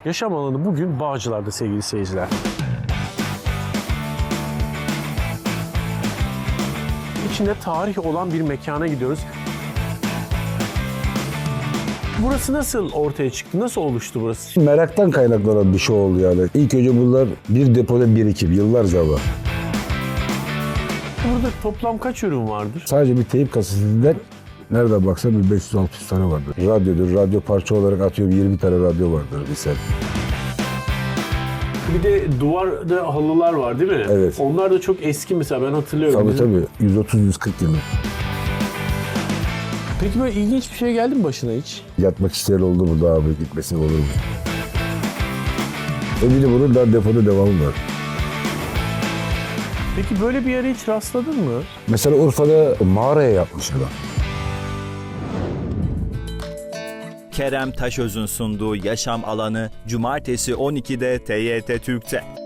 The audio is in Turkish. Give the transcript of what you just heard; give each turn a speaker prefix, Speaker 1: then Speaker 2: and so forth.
Speaker 1: Yaşam alanı bugün Bağcılar'da sevgili seyirciler. İçinde tarih olan bir mekana gidiyoruz. Burası nasıl ortaya çıktı? Nasıl oluştu burası?
Speaker 2: Meraktan kaynaklanan bir şey oldu yani. İlk önce bunlar bir depoda birikim yıllarca var.
Speaker 1: Burada toplam kaç ürün vardır?
Speaker 2: Sadece bir teyip kasetinden nereden baksan bir 500-600 tane vardır. Radyodur, radyo parça olarak atıyorum 20 tane radyo vardır misal.
Speaker 1: Bir de duvarda halılar var değil mi?
Speaker 2: Evet.
Speaker 1: Onlar da çok eski mesela ben hatırlıyorum.
Speaker 2: Tabii
Speaker 1: Bizim-
Speaker 2: tabii 130-140 yıllık.
Speaker 1: Peki böyle ilginç bir şey geldi mi başına hiç?
Speaker 2: Yatmak isteyen oldu mu daha büyük gitmesi olur mu? Bir de bunun daha depoda devamı var.
Speaker 1: Peki böyle bir yere hiç rastladın mı?
Speaker 2: Mesela Urfa'da mağaraya yapmış adam.
Speaker 3: Kerem Taşöz'ün sunduğu Yaşam Alanı Cumartesi 12'de TYT Türk'te.